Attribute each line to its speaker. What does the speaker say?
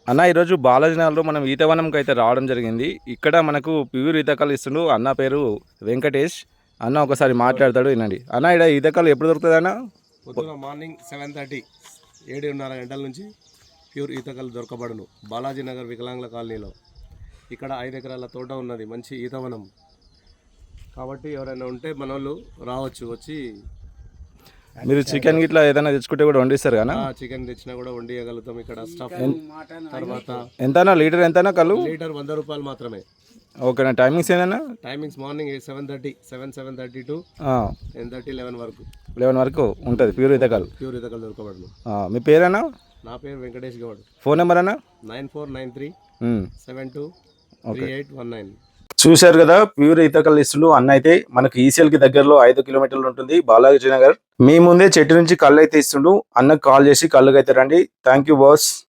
Speaker 1: అన్న ఈరోజు బాలాజీ నగర్లో మనం ఈతవనంకి అయితే రావడం జరిగింది. ఇక్కడ మనకు ప్యూర్ ఈతకాలు ఇస్తుండు. అన్న పేరు వెంకటేష్. అన్న ఒకసారి మాట్లాడతాడు వినండి. అన్న ఇక్కడ ఈతకాలు ఎప్పుడు దొరుకుతుంది అన్న?
Speaker 2: పొద్దున మార్నింగ్ 7:30 7:30 గంటల నుంచి ప్యూర్ ఈతకలు దొరకబడును. బాలాజీ నగర్ వికలాంగుల కాలనీలో ఇక్కడ 5 ఎకరాల తోట ఉన్నది, మంచి ఈతవనం. కాబట్టి ఎవరైనా ఉంటే మన వాళ్ళు రావచ్చు, వచ్చి
Speaker 1: మీరు చికెన్ గిట్లా ఏదైనా తెచ్చుకుంటే కూడా వండిస్తారు కదా?
Speaker 2: చికెన్ తెచ్చినా కూడా వండియగలుగుతాం. ఇక్కడ స్టఫ్ తర్వాత
Speaker 1: ఎంతనా లీటర్ ఎంతనా కళ్ళు?
Speaker 2: లీటర్ 100 రూపాయలు మాత్రమే.
Speaker 1: ఓకేనా. టైమింగ్స్ ఏందన్నా?
Speaker 2: టైమింగ్స్ మార్నింగ్ 7:30 టు 10:30 11 వరకు
Speaker 1: 11 వరకు ఉంటుంది ప్యూర్ ఈతకాలు.
Speaker 2: ప్యూర్ ఈతకలు దొరకబడును.
Speaker 1: మీ పేరేనా?
Speaker 2: నా పేరు వెంకటేష్ గౌడ్.
Speaker 1: ఫోన్ నెంబర్ అన్నా?
Speaker 2: 9493 723819.
Speaker 1: చూశారు కదా, ప్యూర్ ఈతకల్ ఇస్తుండు అన్న. అయితే మనకు ఈసీఎల్ కి దగ్గరలో 5 కిలోమీటర్లు ఉంటుంది బాలాజీ నగర్. మీ ముందే చెట్టు నుంచి కళ్ళు అయితే ఇస్తుండు. అన్నకు కాల్ చేసి కళ్ళుకి అయితే రండి. Thank you boss.